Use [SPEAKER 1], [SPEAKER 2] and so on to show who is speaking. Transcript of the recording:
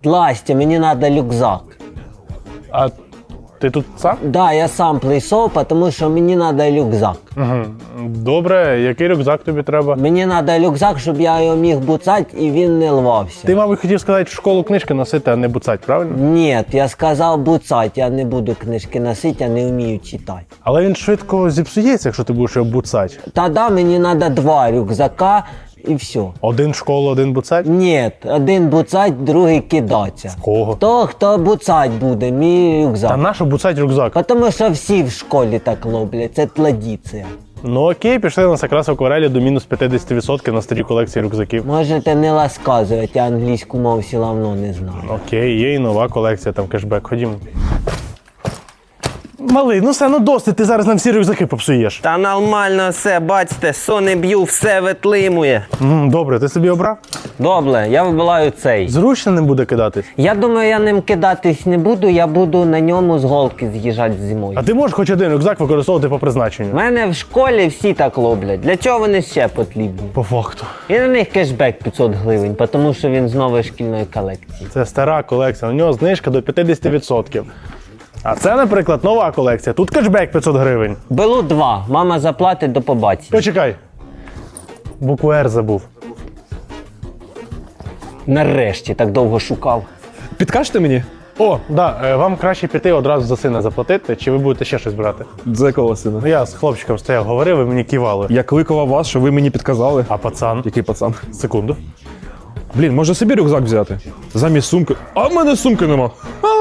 [SPEAKER 1] Настя, мені треба рюкзак.
[SPEAKER 2] А ти тут сам?
[SPEAKER 1] Да, я сам прийшов, тому що мені треба рюкзак.
[SPEAKER 2] Угу. Добре, який рюкзак тобі треба?
[SPEAKER 1] Мені треба рюкзак, щоб я його міг буцати і він не рвався.
[SPEAKER 2] Ти, мабуть, хотів сказати, в школу книжки носити, а не буцать, правильно?
[SPEAKER 1] Ні, я сказав буцати, я не буду книжки носити, я не вмію читати.
[SPEAKER 2] Але він швидко зіпсується, якщо ти будеш його буцать.
[SPEAKER 1] Тоді мені треба 2 рюкзака і все.
[SPEAKER 2] Один в школу, один буцать?
[SPEAKER 1] Ні, один буцать, другий кидаться.
[SPEAKER 2] Кого?
[SPEAKER 1] Хто буцать буде, мій рюкзак.
[SPEAKER 2] Та нащо буцать рюкзак?
[SPEAKER 1] Тому що всі в школі так роблять, це традиція.
[SPEAKER 2] Ну окей, пішли на якраз в акварелі до мінус 50% на старій колекції рюкзаків.
[SPEAKER 1] Можете не розказувати, я англійську мову все одно не знаю.
[SPEAKER 2] Окей, є і нова колекція, там кешбек, ходімо. Малий, ну все, ну досить, ти зараз нам всі рюкзаки попсуєш.
[SPEAKER 3] Та нормально все, бачите, сони б'ю, все витримує.
[SPEAKER 2] Добре, ти собі обрав?
[SPEAKER 1] Добре, я вибираю цей.
[SPEAKER 2] Зручно не буде кидатись.
[SPEAKER 1] Я думаю, я ним кидатись не буду, я буду на ньому з голки з'їжджати зимою.
[SPEAKER 2] А ти можеш хоч один рюкзак використовувати по призначенню?
[SPEAKER 1] У мене в школі всі так роблять. Для чого вони ще потрібні?
[SPEAKER 2] По факту.
[SPEAKER 1] І на них кешбек 500 гривень, тому що він з нової шкільної колекції.
[SPEAKER 2] Це стара колекція, на нього знижка до 50%. А це, наприклад, нова колекція. Тут кешбек 500 гривень.
[SPEAKER 1] Беру 2, мама заплатить, до побачення.
[SPEAKER 2] Почекай. Букву «Р» забув.
[SPEAKER 1] Нарешті, так довго шукав.
[SPEAKER 4] Підкажете мені?
[SPEAKER 2] О, да, вам краще піти одразу за сина заплатити, чи ви будете ще щось брати?
[SPEAKER 4] За якого сина?
[SPEAKER 2] Ну я з хлопчиком стояв, говорив, ви мені кивали.
[SPEAKER 4] Я кликав вас, що ви мені підказали.
[SPEAKER 2] А пацан?
[SPEAKER 4] Який пацан?
[SPEAKER 2] Секунду.
[SPEAKER 4] Блін, може собі рюкзак взяти? Замість сумки. А в мене сумки нема.